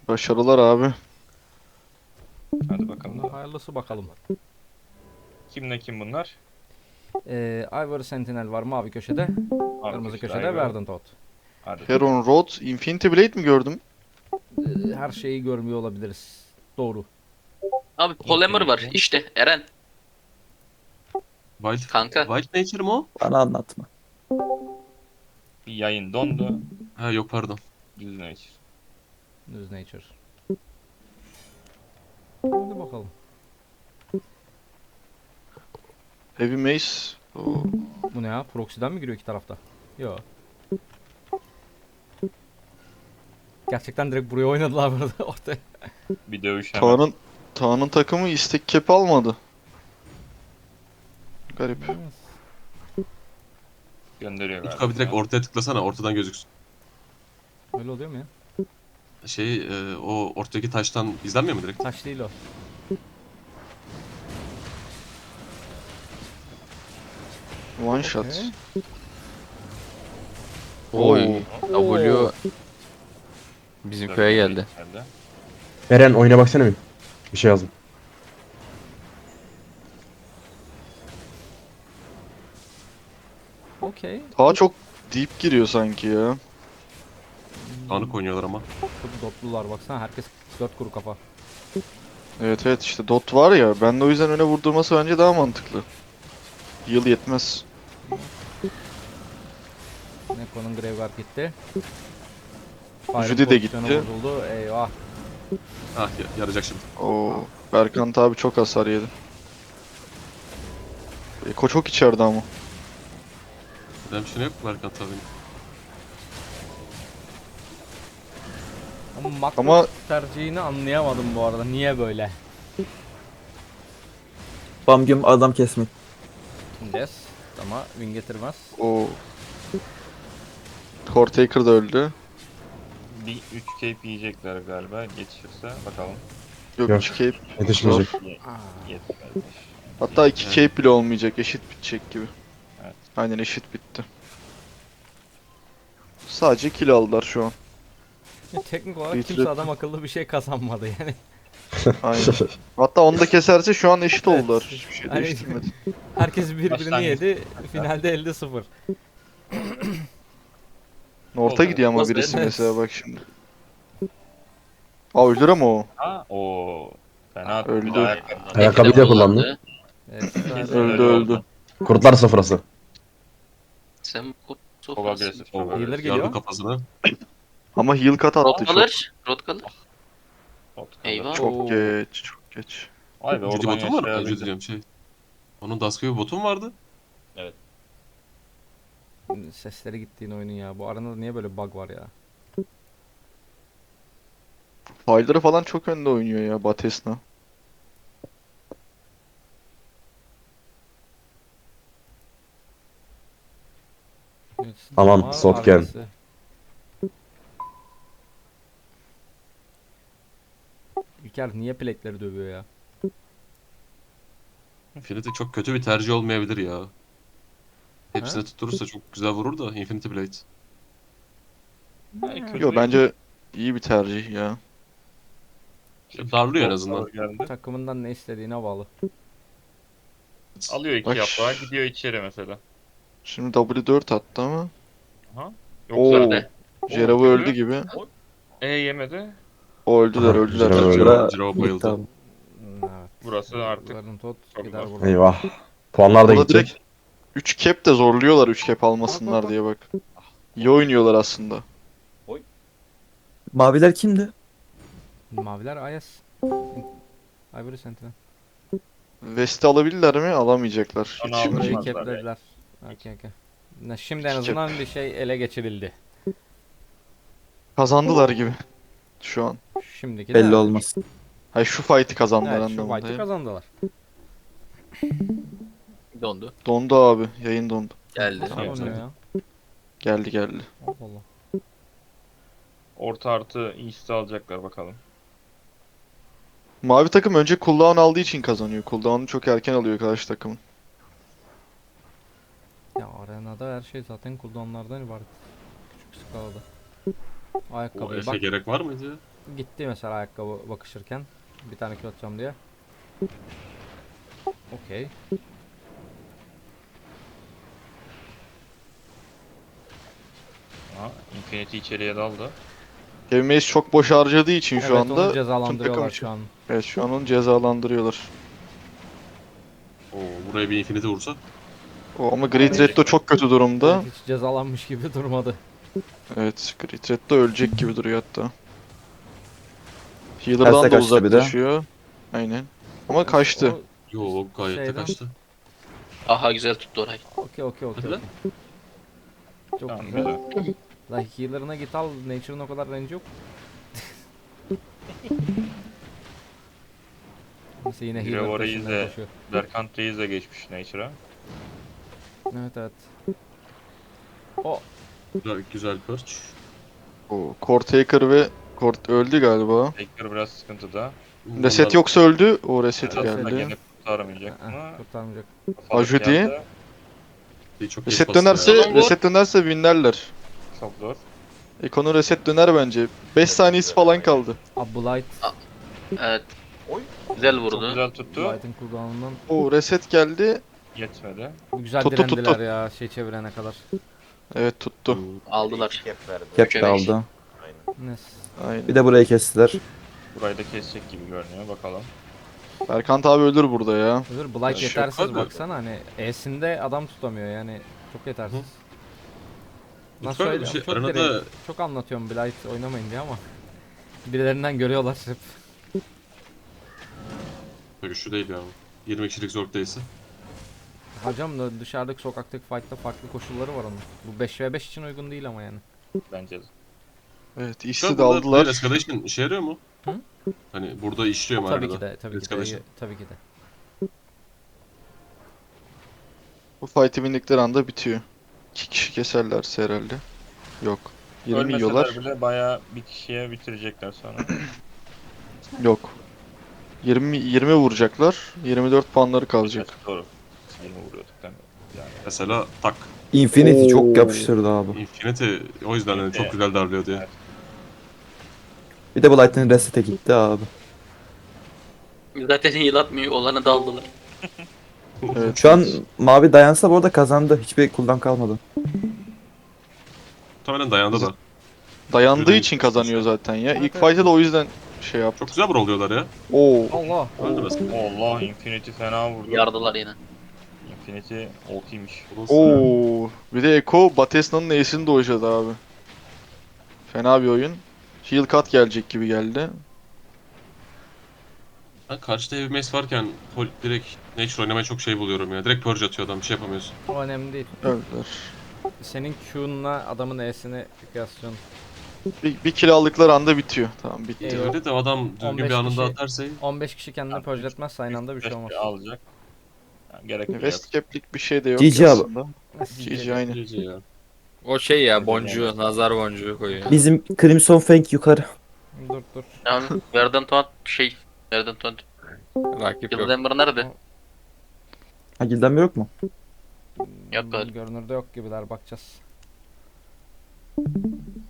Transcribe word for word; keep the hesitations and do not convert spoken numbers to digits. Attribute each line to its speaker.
Speaker 1: Başarılar abi.
Speaker 2: Hadi bakalım.
Speaker 3: Hayırlısı bakalım.
Speaker 2: Kimle kim bunlar?
Speaker 3: Ee, Ivory Sentinel var mavi köşede.
Speaker 2: Abi
Speaker 3: Kırmızı
Speaker 2: köşede
Speaker 3: köşede
Speaker 2: Ivy.
Speaker 3: Verdant Toad.
Speaker 2: Hadi.
Speaker 1: Heron Road, Infinity Blade mi gördüm?
Speaker 3: Ee, her şeyi görmüyor olabiliriz. Doğru.
Speaker 4: Abi Polymer var
Speaker 2: Infinity.
Speaker 4: işte Eren
Speaker 5: Wild,
Speaker 4: kanka.
Speaker 5: Wild Nature mi o?
Speaker 6: Bana anlatma.
Speaker 2: Bir yayın dondu.
Speaker 5: Ha yok pardon.
Speaker 2: Düz nature.
Speaker 3: News Nature. Hadi bakalım.
Speaker 1: Heavy Mace. Oo.
Speaker 3: Bu ne ya? Proxy'den mi giriyor iki tarafta? Yo. Gerçekten direkt buraya oynadılar burada ortaya.
Speaker 2: Bir dövüş hemen.
Speaker 1: Kaan'ın Kaan'ın takımı istek cap almadı. Garip.
Speaker 2: Gönderiyor galiba.
Speaker 5: Utku abi direkt ortaya tıklasana ortadan gözüksün.
Speaker 3: Öyle oluyor mu ya?
Speaker 5: Şey e, o ortadaki taştan izlenmiyor mu direkt?
Speaker 3: Taş değil o.
Speaker 1: One shot.
Speaker 3: Okey.
Speaker 7: Oy. W bizim köye geldi.
Speaker 6: Eren oyuna baksana bir. Bir şey yazdım.
Speaker 3: Okey.
Speaker 1: Daha çok deep giriyor sanki ya.
Speaker 5: Anık oynuyorlar ama.
Speaker 3: Çok dotlular baksana herkes dört kuru kafa.
Speaker 1: Evet evet işte dot var ya. Ben de o yüzden öne vurdurması bence daha mantıklı. Yıl yetmez.
Speaker 3: Neko'nun Graveguard gitti.
Speaker 1: Judy de
Speaker 3: pozisyonu
Speaker 1: gitti.
Speaker 3: Bozuldu. Eyvah.
Speaker 5: Ah ya- yarayacak şimdi.
Speaker 1: Oo. Berkant abi çok hasar yedi. Eko çok içeride ama.
Speaker 5: Benim bir şey yok mu Berkant abi?
Speaker 3: Ama makro
Speaker 1: Ama-
Speaker 3: tercihini anlayamadım bu arada. Niye böyle?
Speaker 6: Bam güm adam kesmek.
Speaker 3: Yes. Ama win getirmez.
Speaker 1: Oo. Cortaker da öldü.
Speaker 2: Bir üç cape yiyecekler galiba. Geçirse bakalım.
Speaker 1: Yok
Speaker 6: Yok.
Speaker 1: üç cape.
Speaker 6: Yetişmeyecek.
Speaker 2: Ye
Speaker 3: Aa.
Speaker 2: yetmezmiş.
Speaker 1: Hatta iki
Speaker 5: Evet.
Speaker 1: cape bile olmayacak. Eşit bitecek gibi.
Speaker 2: Evet.
Speaker 1: Aynen eşit bitti. Sadece kill aldılar şu an.
Speaker 3: Ya teknik olarak
Speaker 1: Bitirip-
Speaker 3: kimse adam akıllı bir şey kazanmadı yani.
Speaker 1: Aynen. Hatta onu da keserse şu an eşit
Speaker 3: Evet.
Speaker 1: oldular. Hiçbir şey
Speaker 3: Hani-
Speaker 1: değiştirmedi.
Speaker 3: Herkes birbirini
Speaker 2: Başlangıç.
Speaker 3: yedi. Finalde elde sıfır.
Speaker 1: Orta
Speaker 2: Oldu.
Speaker 1: gidiyor ama
Speaker 4: Olmaz
Speaker 1: birisi
Speaker 3: evet.
Speaker 1: mesela bak şimdi. Aa öldür ama o.
Speaker 2: Ha o fena
Speaker 1: Öldü.
Speaker 2: bir de ayakkabı.
Speaker 6: Ayakkabıyı da kullandı.
Speaker 3: Evet,
Speaker 2: Kesin
Speaker 1: Öldü öldü.
Speaker 6: Kurtlar sofrası.
Speaker 4: Sen kurt
Speaker 2: Çok
Speaker 4: sofrası.
Speaker 2: agresif.
Speaker 5: O
Speaker 2: çok agresif.
Speaker 3: Healer geliyor.
Speaker 5: yardı kafasına.
Speaker 1: Ama heal cut attı
Speaker 4: Rot
Speaker 1: çok.
Speaker 4: kalır. Rot kalır.
Speaker 2: Çok-
Speaker 4: Eyvah.
Speaker 1: Çok
Speaker 3: Oo.
Speaker 1: geç, çok geç.
Speaker 2: Vay be
Speaker 5: Judy
Speaker 2: oradan
Speaker 5: botum var. Ay, Judy
Speaker 2: yaşayabildi.
Speaker 5: diyorum şey. Onun Dusk'ı bir botum vardı.
Speaker 3: Sesleri gittiğin oyunun ya. Bu arenada niye böyle bug var ya?
Speaker 1: File'ları falan çok önde oynuyor ya Batesna.
Speaker 3: Evet,
Speaker 6: Tamam,
Speaker 3: ama
Speaker 6: Sotken.
Speaker 3: arkası- İlker niye plekleri dövüyor ya?
Speaker 5: Infinity çok kötü bir tercih olmayabilir ya. Hepsini
Speaker 3: Ha?
Speaker 5: tutturursa çok güzel vurur da Infinity Blade.
Speaker 2: Yani kötü
Speaker 1: Yo
Speaker 2: değil.
Speaker 1: bence iyi bir tercih ya.
Speaker 5: Darlıyor en azından.
Speaker 2: Geldi.
Speaker 3: Takımından ne istediğine bağlı.
Speaker 2: Alıyor iki
Speaker 1: Bak.
Speaker 2: yaprağı gidiyor içeri mesela.
Speaker 1: Şimdi W dört attı ama.
Speaker 2: Aha.
Speaker 1: Oo.
Speaker 2: Yoksa
Speaker 4: de.
Speaker 1: Jeravu
Speaker 2: Oo,
Speaker 1: öldü gibi.
Speaker 2: E yemedi.
Speaker 1: O öldüler
Speaker 6: Aha,
Speaker 1: öldüler.
Speaker 6: Jeravu öldü.
Speaker 1: Jeravu-
Speaker 5: Jirav bayıldı.
Speaker 6: Tamam.
Speaker 3: Evet.
Speaker 2: Burası artık
Speaker 3: Verdant Toad
Speaker 2: çok
Speaker 3: gider
Speaker 2: zor.
Speaker 3: buradan.
Speaker 6: Eyvah. Puanlar da
Speaker 1: Burada
Speaker 6: gidecek.
Speaker 1: direkt üç cap de zorluyorlar üç cap almasınlar diye bak. İyi oynuyorlar aslında.
Speaker 6: Maviler kimdi?
Speaker 3: Maviler Ayas. Ivory Sentinel.
Speaker 1: West'i alabilirler mi? Alamayacaklar.
Speaker 2: Ana
Speaker 1: Yetişemeyecek.
Speaker 3: Burayı
Speaker 2: Almazlar
Speaker 3: keplediler. Okey okey. Ne, Şimdi en
Speaker 1: İki
Speaker 3: azından bir şey ele geçirildi.
Speaker 1: Kazandılar gibi. Şu an.
Speaker 3: Şimdiki de
Speaker 6: Belli
Speaker 3: evet.
Speaker 6: olmaz.
Speaker 1: Hayır şu fight'i kazandılar
Speaker 3: Evet şu
Speaker 1: anlamında.
Speaker 3: fight'ı
Speaker 1: ya.
Speaker 3: kazandılar.
Speaker 4: Dondu.
Speaker 1: Dondu abi. Yayın dondu.
Speaker 4: Geldi.
Speaker 3: Nasıl
Speaker 2: Evet,
Speaker 3: oynuyor
Speaker 5: evet.
Speaker 3: ya?
Speaker 1: Geldi geldi.
Speaker 3: Allah Allah.
Speaker 2: Orta artı East'i alacaklar bakalım.
Speaker 1: Mavi takım önce cooldown aldığı için kazanıyor. Cooldown'u çok erken alıyor karşı takımın.
Speaker 3: Ya arenada her şey zaten cooldownlardan ibaret. Küçük skalada.
Speaker 5: O
Speaker 3: Ayakkabıyı
Speaker 5: Efe
Speaker 3: bak.
Speaker 5: gerek var mıydı ya?
Speaker 3: gitti mesela ayakkabı bakışırken. Bir tane kill atacağım diye. Okey.
Speaker 2: Aha, Infinity içeriye daldı.
Speaker 1: Heavy Mace çok boş harcadığı için şu
Speaker 3: Evet,
Speaker 1: anda
Speaker 3: onu
Speaker 1: tüm
Speaker 3: cezalandırıyorlar
Speaker 1: takım
Speaker 3: şu
Speaker 1: için.
Speaker 3: an.
Speaker 1: Evet şu an onu cezalandırıyorlar.
Speaker 5: Oo, buraya bir Infinity vursa.
Speaker 1: O, ama Great Red'de çok kötü durumda.
Speaker 3: Hiç cezalanmış gibi durmadı.
Speaker 1: Evet, Great Red'de ölecek gibi duruyor hatta. Healer'dan
Speaker 8: Terse
Speaker 1: da
Speaker 8: kaçtı bir de.
Speaker 1: uzaklaşıyor. Aynen. Ama kaçtı.
Speaker 3: O-
Speaker 5: Yok gayet de
Speaker 3: Şeyden-
Speaker 5: kaçtı.
Speaker 4: Aha güzel tuttu orayı.
Speaker 3: Okey okey okey.
Speaker 5: Hadi
Speaker 3: okey. Çok
Speaker 2: Tamam
Speaker 3: güzel.
Speaker 2: güzel.
Speaker 3: La healer'ına git al. Nature'ın o kadar range yok. Neyse yine
Speaker 2: Biri
Speaker 3: healer
Speaker 2: orayı
Speaker 3: peşinden
Speaker 2: izle.
Speaker 3: koşuyor.
Speaker 2: Berkant Reis de geçmiş Nature'a.
Speaker 3: Evet evet. O
Speaker 5: Güzel, güzel perch.
Speaker 1: O Cortaker ve Kort öldü galiba.
Speaker 2: Tekrar biraz sıkıntıda.
Speaker 1: Reset
Speaker 5: Onlar-
Speaker 1: yoksa öldü. O reset
Speaker 2: Aslında
Speaker 1: geldi.
Speaker 2: gene kurtaramayacak
Speaker 3: Aa,
Speaker 2: ama
Speaker 3: kurtarmayacak.
Speaker 2: Faruk
Speaker 1: Ajudi.
Speaker 2: geldi.
Speaker 5: Çok geç
Speaker 1: Reset
Speaker 5: bastı
Speaker 1: dönerse,
Speaker 5: ya.
Speaker 4: Adam
Speaker 1: reset dönerse winlerler.
Speaker 2: Çok zor.
Speaker 1: Eko'nun reset döner bence. beş saniyesi falan kaldı.
Speaker 3: Abi Blight.
Speaker 4: Evet. Güzel
Speaker 2: Çok
Speaker 4: vurdu.
Speaker 2: güzel tuttu.
Speaker 3: Blight'ın cooldown'undan
Speaker 1: O reset geldi.
Speaker 2: Yetmedi.
Speaker 3: güzel
Speaker 1: Tuttu, tuttu.
Speaker 3: direndiler ya şey çevirene kadar.
Speaker 1: Evet tuttu.
Speaker 4: Aldılar.
Speaker 8: Cap
Speaker 4: Üçe
Speaker 8: de
Speaker 4: beş.
Speaker 8: aldı.
Speaker 3: Nes.
Speaker 1: Aynen.
Speaker 8: Bir de burayı kestiler.
Speaker 2: Burayı da kesecek gibi görünüyor. Bakalım.
Speaker 1: Berkant abi ölür burada ya.
Speaker 3: Özür Blight
Speaker 5: Şu
Speaker 3: yetersiz
Speaker 5: kadar.
Speaker 3: baksana hani E'sinde adam tutamıyor yani çok yetersiz. Nasıl
Speaker 5: Lütfen bir
Speaker 3: söyleyeyim?
Speaker 5: şey,
Speaker 3: Çok
Speaker 5: aranada
Speaker 3: direkt, çok anlatıyorum Blight oynamayın diye ama birilerinden görüyorlar hep.
Speaker 5: güçlü değil ya. yirmi kişilik Zork değilse.
Speaker 3: Hocam da dışarıdaki sokaktaki fight'ta farklı koşulları var onun. Bu beş ve beş için uygun değil ama yani.
Speaker 2: Bence de.
Speaker 1: Evet
Speaker 5: Şu
Speaker 1: işi
Speaker 5: an
Speaker 1: de
Speaker 5: burada
Speaker 1: aldılar.
Speaker 5: Blade Escalation işe yarıyor mu?
Speaker 3: Hı?
Speaker 5: Hani burada işliyor mu
Speaker 3: Tabii
Speaker 5: arada?
Speaker 3: ki de, tabii ki de,
Speaker 5: Escalation.
Speaker 3: tabii ki de.
Speaker 1: Bu fight'i bindikleri anda bitiyor. İki kişi keserlerse herhalde. Yok. yirmi
Speaker 2: Ölmeseler
Speaker 1: yiyorlar.
Speaker 2: bile bayağı bir kişiye bitirecekler sonra.
Speaker 1: Yok. yirmi yirmi vuracaklar. yirmi dört puanları kalacak.
Speaker 2: Evet, doğru. yirmi vuruyorduk değil mi? Yani
Speaker 5: Mesela tak.
Speaker 8: Infinity
Speaker 1: Oo.
Speaker 8: çok yapıştırdı abi.
Speaker 5: Infinity o yüzden hani çok güzel darlıyor diye.
Speaker 2: Evet.
Speaker 8: Bir de Blight'ın resete gitti abi.
Speaker 4: Zaten heal atmıyor. Olanı da aldılar.
Speaker 1: Evet.
Speaker 8: Şu an mavi dayansa bu arada kazandı. Hiçbir cooldown kalmadı.
Speaker 5: Muhtemelen dayandı da.
Speaker 1: Dayandığı
Speaker 5: Yürüyün.
Speaker 1: için kazanıyor zaten ya.
Speaker 3: Evet,
Speaker 1: İlk
Speaker 3: evet.
Speaker 1: fight'ı da o yüzden şey yaptı.
Speaker 5: Çok güzel brawlıyorlar ya.
Speaker 1: Oo.
Speaker 3: Allah!
Speaker 5: Öldü mesela.
Speaker 2: Allah Infinity fena vurdu.
Speaker 4: Yardılar yine.
Speaker 2: Infinity ultiymiş.
Speaker 1: Oo. Bir de Eko Batesna'nın Ace'ini dojladı abi. Fena bir oyun. Heal cut gelecek gibi geldi.
Speaker 5: Ben karşıda Heavy Mace varken pol- direkt Nature oynamayı çok şey buluyorum ya. Direkt purge atıyor adam bir şey yapamıyorsun.
Speaker 3: O önemli değil.
Speaker 1: Öldüler.
Speaker 3: Senin Q'nla adamın E'sini kıyaslıyorsun.
Speaker 1: Bir, bir kill aldıkları anda bitiyor. Tamam bitti.
Speaker 3: Ee,
Speaker 5: Öyle de adam düzgün
Speaker 3: on beş
Speaker 5: bir anında
Speaker 3: kişi-
Speaker 5: atarsa iyi.
Speaker 3: on beş kişi kendini purge'letmezse aynı anda bir şey olmaz.
Speaker 2: Alacak. Yani gerek yok.
Speaker 1: West Cap'lik bir şey de yok
Speaker 8: G G abi.
Speaker 1: aslında. G G aynı.
Speaker 5: G G ya.
Speaker 7: O şey ya boncuğu, nazar boncuğu koyuyor.
Speaker 8: Bizim Crimson Fang yukarı.
Speaker 3: Dur dur.
Speaker 4: Yani Verdant Tuan şey. Verdant Tuan.
Speaker 7: Rakip yok.
Speaker 4: Yıldız Ember nerede?
Speaker 8: Ha Gildenber yok mu?
Speaker 4: Yok galiba.
Speaker 3: Görünürde yok gibiler bakacağız.